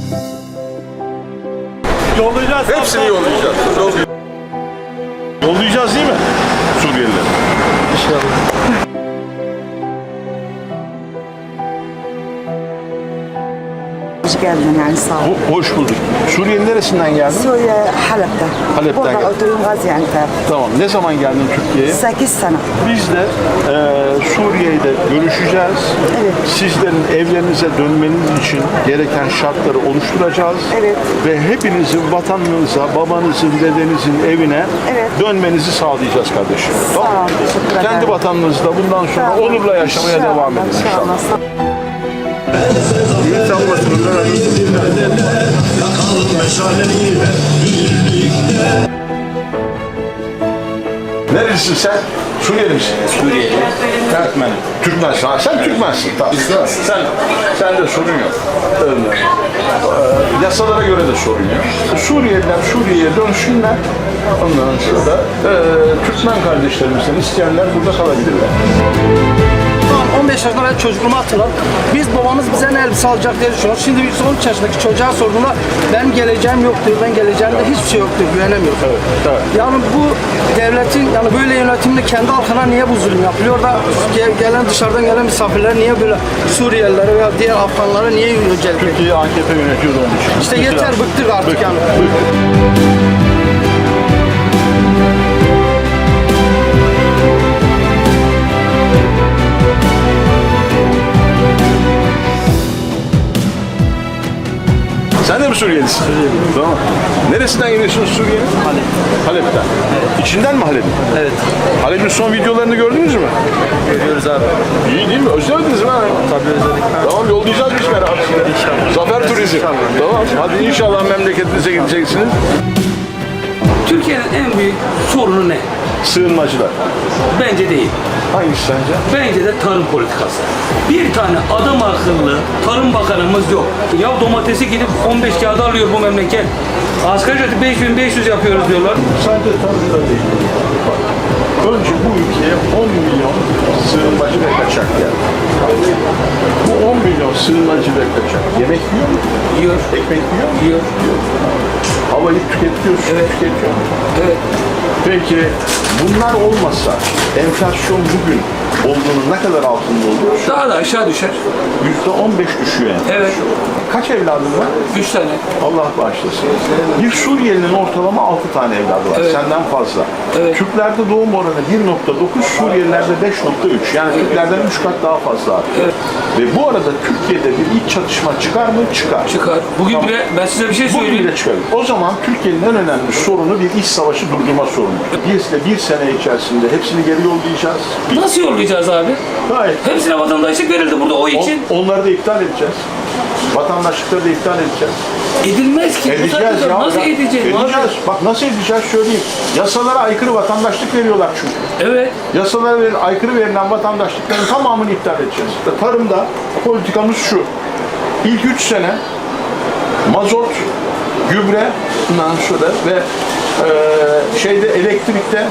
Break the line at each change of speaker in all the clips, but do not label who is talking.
Yollayacağız.
Hepsini yollayacağız.
Yollayacağız değil mi? Suriyeliler.
İnşallah.
Hoş geldin yani sağ ol.
Hoş bulduk. Suriye'nin neresinden geldin?
Suriye Halep'te.
Halep'ten
Burada
geldin.
oturuyorum Gaziantep.
Tamam. Ne zaman geldin Türkiye'ye?
8 sene.
Biz de Suriye'de görüşeceğiz.
Evet.
Sizlerin evlerinize dönmeniz için gereken şartları oluşturacağız.
Evet.
Ve hepinizin vatanınıza, babanızın, dedenizin evine
Evet.
dönmenizi sağlayacağız kardeşim.
Sağ ol, teşekkür ederim.
Kendi vatanınızda bundan sonra
Sağ ol.
onurla yaşamaya
İnşallah,
devam edin inşallah.
Sağ ol.
İyi çalmasın. Nerelisin sen? Suriyeli misin?
Suriyeli. Türkmen.
Türkmensin. Ha, sen Türkmensin. Tamam. Sen de sorun yok. Yasalara göre de sorun yok. Suriyeliler Suriye'ye dönsünler. Ondan sonra Türkmen kardeşlerimizden isteyenler burada kalabilirler.
15 yaşında ben çocukluğumu hatırlar. Biz babamız bize ne elbise alacak diye düşünüyoruz. Şimdi 13 yaşındaki çocuğa sorduğunda benim geleceğim yok diyor. Ben geleceğimde hiçbir şey yok diyor. Güvenemiyor.
Evet.
Yani bu devletin yani böyle yönetiminde kendi halkına niye bu zulüm yapılıyor da gelen dışarıdan gelen misafirler niye böyle Suriyelilere veya diğer Afganlara niye yönetiyor?
Türkiye'yi AKP yönetiyordu onun için.
İşte yeter bıktık artık yani.
Sen de mi Suriyelisin? Suriyeli. Tamam. Neresinden geliyorsunuz Suriye'nin?
Halep.
Halep'ten. Evet. İçinden mi Halep'in?
Evet.
Halep'in son videolarını gördünüz mü?
Görüyoruz abi.
İyi değil mi? Özlemediniz mi?
Tabii özledik.
Tamam yollayacağız biz beraber.
İnşallah.
Zafer Turizm. Tamam. Hadi inşallah memleketinize gideceksiniz.
Türkiye'nin en büyük sorunu ne?
Sığınmacılar.
Bence değil.
Hangisi sence?
Bence de tarım politikası. Bir tane adam akıllı tarım bakanımız yok. Ya domatesi gidip 15 kağıda alıyor bu memleket. Asgari ücreti 5500 yapıyoruz diyorlar.
Sadece tarımda değil. Bak, önce bu ülkeye 10 milyon sığınmacı ve kaçak geldi. Bu 10 milyon sığınmacı ve kaçak yemek yiyor mu?
Yiyor.
Ekmek yiyor mu?
Yiyor.
Havayı tüketiyor, su tüketiyor mu?
Evet.
Peki bunlar olmasa enflasyon bugün olduğunun ne kadar altında olur?
Daha da aşağı düşer.
%15 düşüyor enflasyon.
Evet.
Kaç evladın var?
3 tane.
Allah bağışlasın. Bir Suriyelinin ortalama 6 tane evladı var.
Evet.
Senden fazla.
Evet.
Türklerde doğum oranı 1.9, Suriyelilerde 5.3. Yani Türklerden 3 kat daha fazla artıyor.
Evet.
Ve bu arada Türkiye'de bir iç çatışma çıkar mı? Çıkar.
Çıkar. Bugün bile ben size bir şey
Bugün
söyleyeyim.
bile çıkar. O zaman Türkiye'nin en önemli sorunu bir iç savaşı durdurma sorunu. Biz de bir sene içerisinde hepsini geri yollayacağız.
Nasıl yollayacağız abi?
Gayet.
Hepsine vatandaşlık verildi burada o için.
Onları da iptal edeceğiz. Vatandaşlıkları da iptal edeceğiz.
Edilmez ki. Bu
Edeceğiz
saatte
ya.
nasıl edeceğiz?
Edeceğiz. Bak nasıl edeceğiz söyleyeyim. Yasalara aykırı vatandaşlık veriyorlar çünkü.
Evet.
Yasalara aykırı verilen vatandaşlıkların tamamını iptal edeceğiz. Tarımda politikamız şu. İlk 3 sene mazot, gübre, bundan sonra ve elektrikte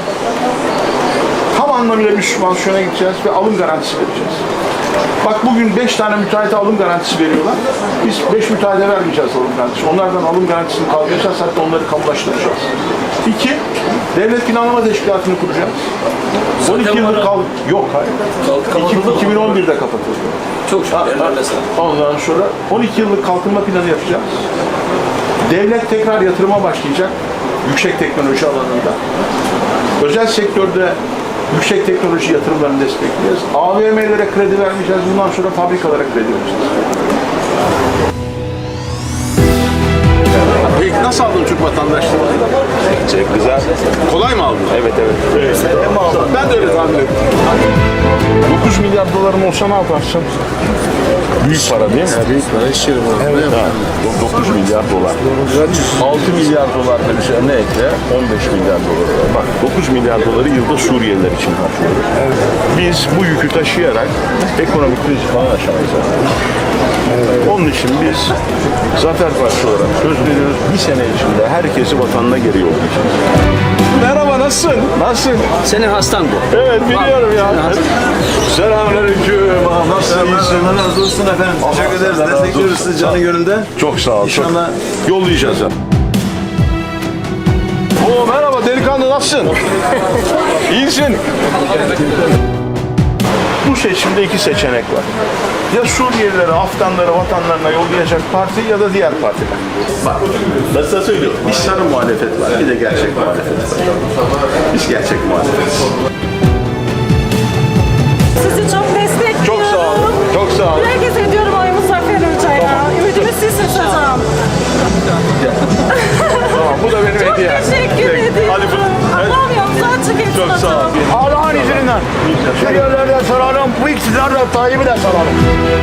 tam anlamıyla bir sübvansiyona gideceğiz ve alım garantisi vereceğiz. Bak bugün 5 tane müteahhite alım garantisi veriyorlar. Biz 5 müteahhite vermeyeceğiz alım garantisi. Onlardan alım garantisini kaldıracağız, hatta onları kamulaştıracağız. 2. Devlet Planlama Teşkilatı'nı kuracağız. 12 yıldır yok hayır.
Kapatıldı mı?
2011'de kapatıldı.
Çok şükür. Ellerine sağlık.
Ondan sonra 12 yıllık kalkınma planı yapacağız. Devlet tekrar yatırıma başlayacak yüksek teknoloji alanında. Özel sektörde yüksek teknoloji yatırımlarını destekleyeceğiz. AVM'lere kredi vermeyeceğiz. Bundan sonra fabrikalara kredi vereceğiz. Peki nasıl aldın Türk vatandaşlığını? Çok güzel. Kolay mı aldın? Evet. Sen de mi aldın? Ben de öyle tahmin ettim. 9 milyar doların olsa ne yaparsın? Büyük para değil mi?
Büyük para işlerim abi.
Evet. 9 milyar dolar. 6 milyar dolar da üzerine ekle 15 milyar dolar. Bak 9 milyar doları yılda Suriyeliler için harcıyoruz. Evet. Biz bu yükü taşıyarak ekonomik kriz falan aşamayız. Onun için biz Zafer Partisi olarak söz veriyoruz. Bir sene içinde herkesi vatanına geri yollayacağız. Merhaba, nasılsın? Nasılsın?
Senin hastan bu.
Evet, biliyorum ya. Selamünaleyküm. Nasılsın? İyisin?
Allah razı olsun efendim. Teşekkür ederiz.
Allah razı
Destekliyoruz
olsun.
sizi canı gönülden.
Çok sağ ol.
İnşallah.
Yollayacağız ya. Oo merhaba delikanlı nasılsın? İyisin. Bu seçimde iki seçenek var. Ya Suriyelileri, Afganları vatanlarına yollayacak parti ya da diğer partiler. Bak, ben sana söylüyorum. Bir sarı muhalefet var, bir de gerçek muhalefet var. Biz gerçek muhalefetiz.
Sizi çok destekliyorum.
Çok sağ olun, çok sağ olun.
Herkes ediyorum oyumu Zafer Hoca'ya. Ümidimiz sizsiniz hocam.
Tamam, bu da benim
Çok
hediyem.
teşekkür ediyorum.
Hadi bu.
Allah'ım yolunuzu açık etsin
Çok sağ ol.
hocam.
Allah'ın izniyle Suriyelilerden sorarım, bu iktidarla Tayyip'i de sorarım.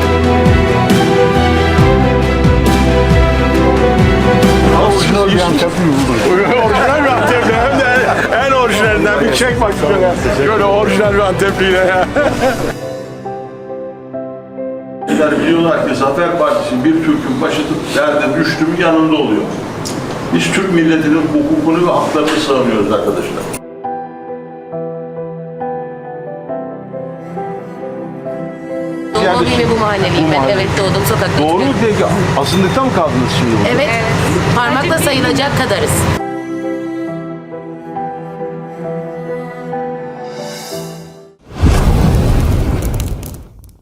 Orijinal bir Antepli buldum.
Orijinal bir Antepli hem de en orijinalinden bir çek bak şöyle. Şöyle orijinal bir Antepliyle ya. Biliyorlar ki Zafer Partisi bir Türk'ün başı derde düştü mü yanında oluyor. Biz Türk milletinin hukukunu ve haklarını savunuyoruz arkadaşlar.
Doğma büyüme bu mahalleliyim ben. Evet doğdum sokakta.
Doğru mu peki? Asıllıkta mı kaldınız şimdi?
Evet. Parmakla sayılacak kadarız.